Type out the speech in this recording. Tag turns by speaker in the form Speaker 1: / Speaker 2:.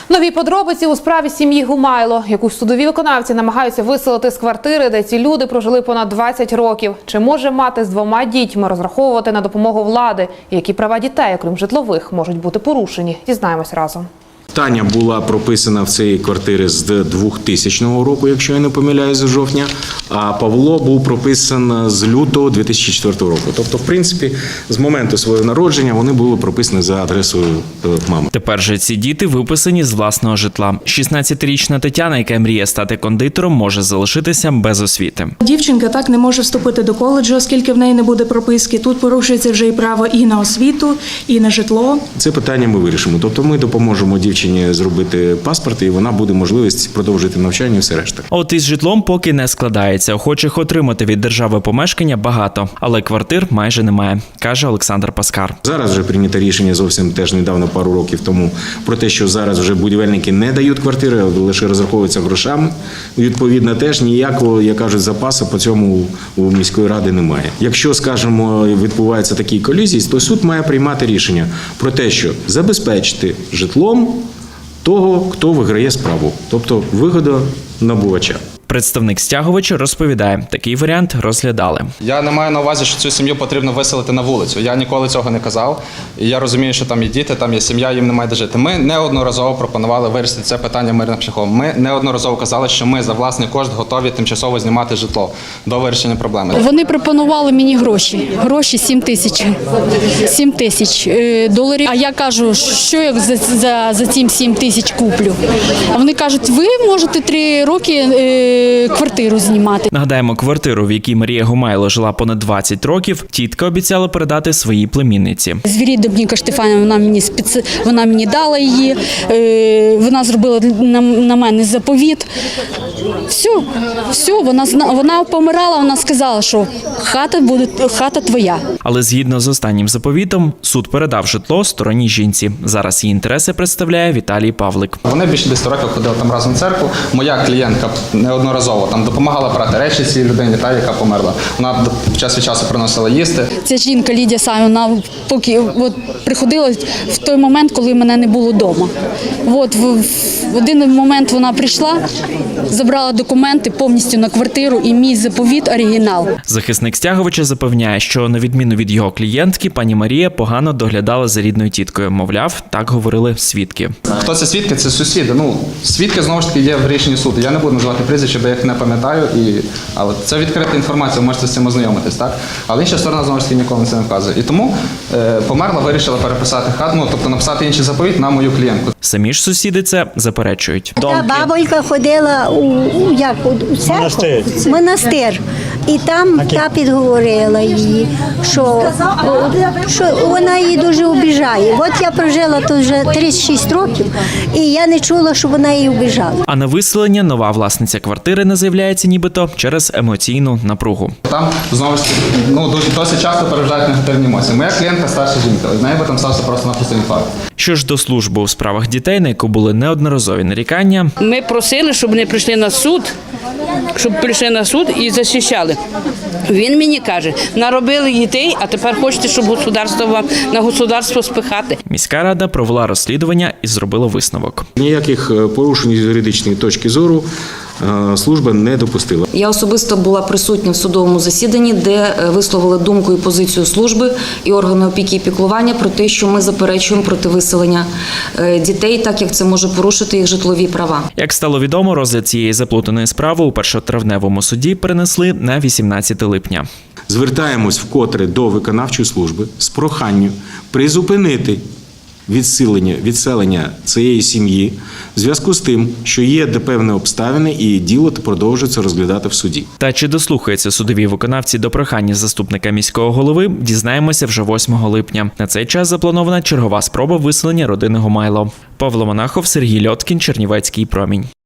Speaker 1: Нові подробиці у справі сім'ї Гумайло, яку судові виконавці намагаються виселити з квартири, де ці люди прожили понад 20 років. Чи може мати з 2 дітьми розраховувати на допомогу влади? І які права дітей, окрім житлових, можуть бути порушені? Дізнаємось разом.
Speaker 2: Таня була прописана в цій квартирі з 2000 року, якщо я не помиляюсь, з жовтня, а Павло був прописан з лютого 2004 року. Тобто, в принципі, з моменту свого народження вони були прописані за адресою мами.
Speaker 3: Тепер же ці діти виписані з власного житла. 16-річна Тетяна, яка мріє стати кондитером, може залишитися без освіти.
Speaker 4: Дівчинка так не може вступити до коледжу, оскільки в неї не буде прописки. Тут порушується вже і право і на освіту, і на житло.
Speaker 2: Це питання ми вирішимо. Тобто ми допоможемо дівчині зробити паспорт, і вона буде можливість продовжити навчання і все решта.
Speaker 3: От із житлом поки не складається. Охочих отримати від держави помешкання багато, але квартир майже немає, каже Олександр Паскар.
Speaker 2: Зараз вже прийнято рішення зовсім теж недавно, пару років тому, про те, що зараз вже будівельники не дають квартири, лише розраховуються грошами. Відповідно, теж ніякого, як кажуть, запасу по цьому у міської ради немає. Якщо, скажімо, відбуваються такі колізії, то суд має приймати рішення про те, що забезпечити житлом того, хто виграє справу, тобто вигодонабувача.
Speaker 3: Представник стягувача розповідає, такий варіант розглядали.
Speaker 5: Я не маю на увазі, що цю сім'ю потрібно виселити на вулицю. Я ніколи цього не казав. І я розумію, що там є діти, там є сім'я, їм немає де жити. Ми неодноразово пропонували вирішити це питання мирним шляхом. Ми неодноразово казали, що ми за власний кошт готові тимчасово знімати житло до вирішення проблеми.
Speaker 6: Вони пропонували мені гроші. Гроші 7 тисяч. 7 тисяч доларів. А я кажу, що я за ці 7 тисяч куплю? А вони кажуть, ви можете 3 роки квартиру знімати.
Speaker 3: Нагадаємо, квартиру, в якій Марія Гумайло жила понад 20 років, тітка обіцяла передати своїй племінниці.
Speaker 6: Звірі Добніка Штефанівна вона мені дала її, вона зробила на мене заповіт. Все, вона помирала, вона сказала, що хата твоя.
Speaker 3: Але згідно з останнім заповітом, суд передав житло сторонній жінці. Зараз її інтереси представляє Віталій Павлик.
Speaker 5: Вони більше 10 років ходили там разом в церкву. Моя клієнтка неодноразово там допомагала брати речі цій людині, яка померла. Вона час від часу приносила їсти.
Speaker 6: Ця жінка Лідія Савівна поки приходила в той момент, коли мене не було вдома. В один момент вона прийшла, забрала документи повністю на квартиру і мій заповіт оригінал.
Speaker 3: Захисник стягувача запевняє, що на відміну від його клієнтки, пані Марія погано доглядала за рідною тіткою. Мовляв, так говорили свідки.
Speaker 5: Хто це свідки? Це сусіди. Свідки, знову ж таки, є в рішенні суду. Я не буду називати прізвища, бо я їх не пам'ятаю. Але це відкрита інформація, ви можете з цим ознайомитись, так? Але інша сторона, знову ж таки, ніколи це не вказує. І тому померла, вирішила переписати хату, тобто написати інший заповіт на мою клієнтку.
Speaker 3: Самі ж сусіди це заперечують.
Speaker 7: Та бабонька ходила у монастир. І там та підговорила її, що вона її дуже обіжає. От я прожила тут вже 36 років, і я не чула, що вона її обіжала.
Speaker 3: А на виселення нова власниця квартири не з'являється нібито через емоційну напругу.
Speaker 5: Там, знову ж таки, досить часто переважають негативні емоції. Моя клієнтка старша жінка, з нею би там стався просто-напросто інфаркт.
Speaker 3: Що ж до служби у справах дітей, на яку були неодноразові нарікання.
Speaker 8: Ми просили, щоб вони прийшли на суд і захищали. Він мені каже, наробили дітей, а тепер хочете, щоб на государство спихати.
Speaker 3: Міська рада провела розслідування і зробила висновок.
Speaker 2: Ніяких порушень з юридичної точки зору служба не допустила.
Speaker 9: Я особисто була присутня в судовому засіданні, де висловили думку і позицію служби і органи опіки і піклування про те, що ми заперечуємо проти виселення дітей, так як це може порушити їх житлові права.
Speaker 3: Як стало відомо, розгляд цієї заплутаної справи у першотравневому суді перенесли на 18 липня.
Speaker 2: Звертаємось вкотре до виконавчої служби з проханням призупинити відселення цієї сім'ї в зв'язку з тим, що є певні обставини і діло продовжується розглядати в суді.
Speaker 3: Та чи дослухаються судові виконавці до прохання заступника міського голови, дізнаємося вже 8 липня. На цей час запланована чергова спроба виселення родини Гумайло. Павло Монахов, Сергій Льоткін, Чернівецький промінь.